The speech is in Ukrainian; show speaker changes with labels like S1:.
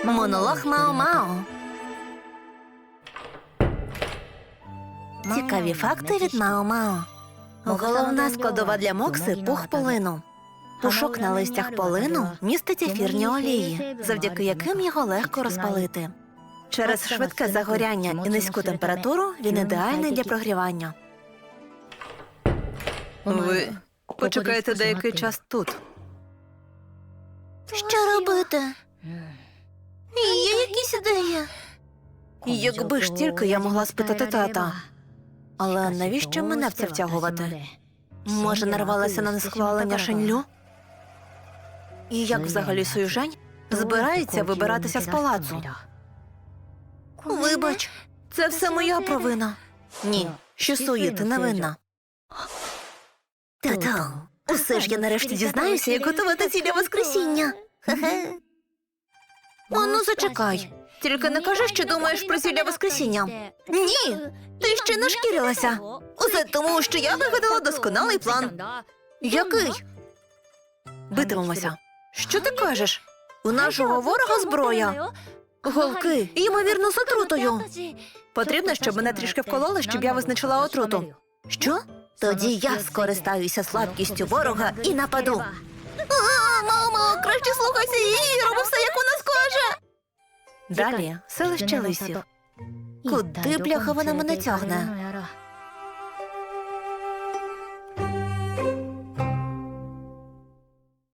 S1: Монолог Мао-Мао. Цікаві факти від Мао-Мао. Головна складова для мокси – пух полину. Пушок на листях полину містить ефірні олії, завдяки яким його легко розпалити. Через швидке загоряння і низьку температуру він ідеальний для прогрівання. Ви почекаєте деякий час тут. Що робити? Є якісь ідеї? Якби ж тільки я могла спитати тата. Але навіщо мене в це втягувати? Може, нарвалася на несхвалення Шенлю? І як взагалі Суюжень збирається вибиратися з палацу? Вибач, це все моя провина. Ні, Щосуї, ти не винна. Тато, усе ж я нарешті дізнаюся, як готувати цілля Воскресіння. Хе-хе. Ану, зачекай. Тільки не кажи, що думаєш про зілля Воскресіння. Ні, ти ще не шкірилася. Усе тому, що я вигадала досконалий план. Який? Битимемося. Що ти кажеш? У нашого ворога зброя. Голки, ймовірно, з отрутою. Потрібно, щоб мене трішки вкололи, щоб я визначила отруту. Що? Тоді я скористаюся слабкістю ворога і нападу. Мамо, краще слухайся її, роби все, як вона скаже. Далі селище лисів. Куди, бляха, вона мене тягне?